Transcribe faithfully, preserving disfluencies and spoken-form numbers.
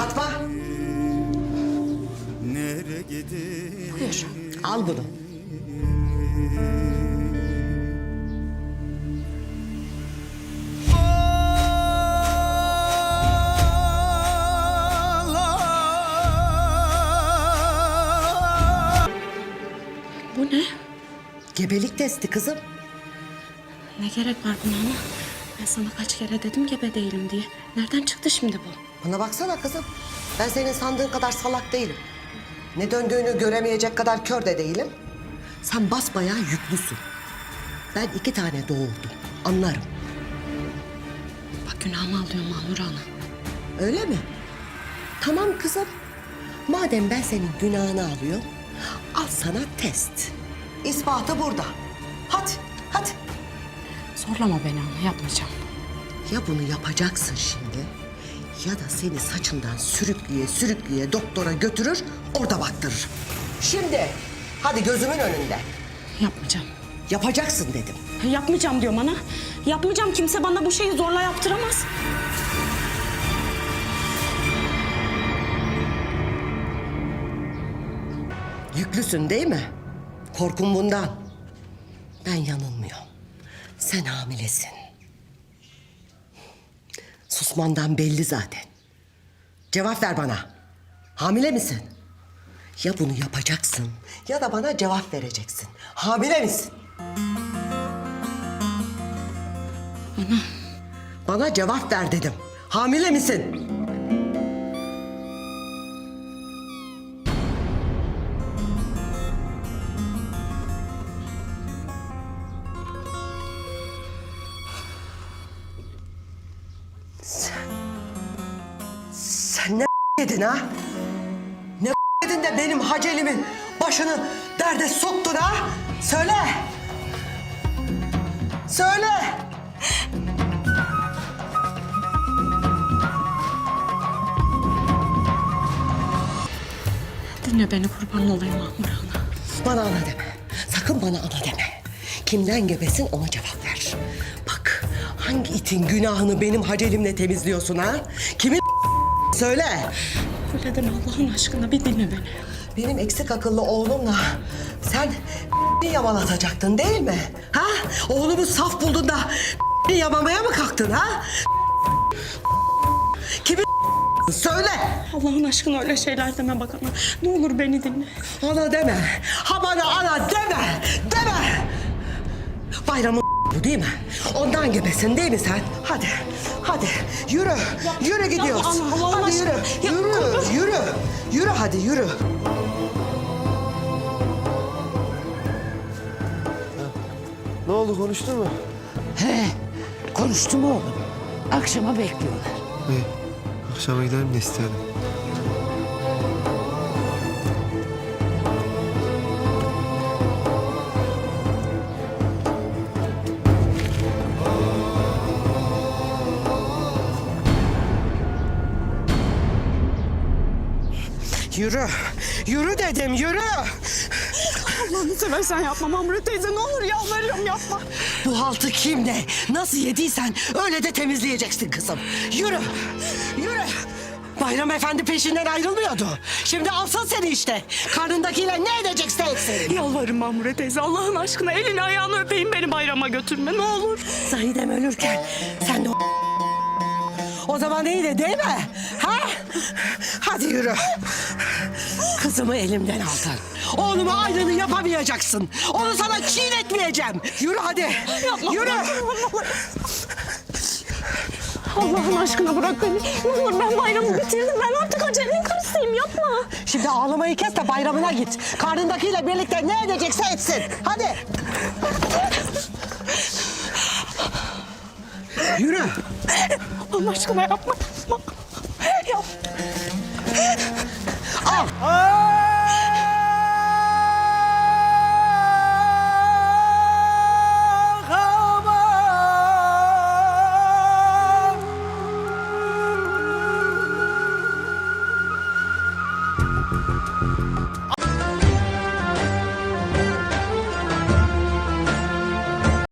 Fatma. Buyur. Al bunu. Bu ne? Gebelik testi kızım. Ne gerek var buna ama? Ben sana kaç kere dedim gebe değilim diye. Nereden çıktı şimdi bu? Bana baksana kızım. Ben senin sandığın kadar salak değilim. Ne döndüğünü göremeyecek kadar kör de değilim. Sen basbayağı yüklüsün. Ben iki tane doğurdum. Anlarım. Bak günahımı alıyor Mahmur Ana. Öyle mi? Tamam kızım. Madem ben senin günahını alıyorum, al sana test. İspatı burada. Hadi, hadi. Zorlama beni ana, yapmayacağım. Ya bunu yapacaksın şimdi, ya da seni saçından sürükleye sürükleye doktora götürür, orada baktırır. Şimdi, hadi gözümün önünde. Yapmayacağım. Yapacaksın dedim. Yapmayacağım diyorum ana. Yapmayacağım, kimse bana bu şeyi zorla yaptıramaz. Yüklüsün değil mi? Korkun bundan. Ben yanılmıyorum. Sen hamilesin. Susmandan belli zaten. Cevap ver bana. Hamile misin? Ya bunu yapacaksın ya da bana cevap vereceksin. Hamile misin? Ana. Bana cevap ver dedim. Hamile misin? Sen... Sen ne yedin ha? Ne yedin de benim Haceli'min başını derde soktun ha? Söyle! Söyle! Dinle beni, kurban olayım Mahmur Ana. Bana ana deme. Sakın bana ana deme. Kimden gebesin ona cevap ver. Bak hangi itin günahını benim Hacelimle temizliyorsun ha? Kimin söyle. Öyle deme Allah'ın aşkına, bir dinle beni. Benim eksik akıllı oğlumla sen yamalatacaktın değil mi? Ha? Oğlumu saf buldun da yamamaya mı kalktın ha? Kimin söyle. Allah'ın aşkına öyle şeyler deme bak ana. Ne olur beni dinle. Ana deme. Ha bana ana deme. Deme. Bayramın bu değil mi? Ondan gebesin değil mi sen? Hadi. Hadi. Yürü. Yürü gidiyoruz. Yapma ana, Allah'ın Hadi yürü. aşkına. Yürü. Yapma. Yürü. Yürü hadi yürü. Ne oldu, konuştun mu? He, konuştum oğlum. Akşama bekliyorlar. İyi. Akşama gidelim de isterim. Yürü. Yürü dedim yürü. Allah'ını seversen yapma Mahmure teyze, ne olur yalvarıyorum yapma. Bu haltı kim ne? Nasıl yediysen öyle de temizleyeceksin kızım. Yürü. Yürü. Bayram Efendi peşinden ayrılmıyordu. Şimdi alsın seni işte. Karnındakiyle ne edecekse etsin. Yalvarırım Mahmure teyze, Allah'ın aşkına elini ayağını öpeyim, beni bayrama götürme ne olur. Zahidem ölürken sen de o... O zaman iyiydi değil mi? Ha? Hadi yürü. Kızımı elimden aldın. Oğluma aynını yapamayacaksın. Onu sana çiğnetmeyeceğim. Yürü hadi. Yapma, Yürü. Allah'ın aşkına bırak beni. Ne olur, ben bayramı bitirdim. Ben artık Hacer'in karısıyım, yapma. Şimdi ağlamayı kes de bayramına git. Karnındakiyle birlikte ne edecekse etsin. Hadi. Yürü. Allah aşkına yapma. Yapma. Yap. Al.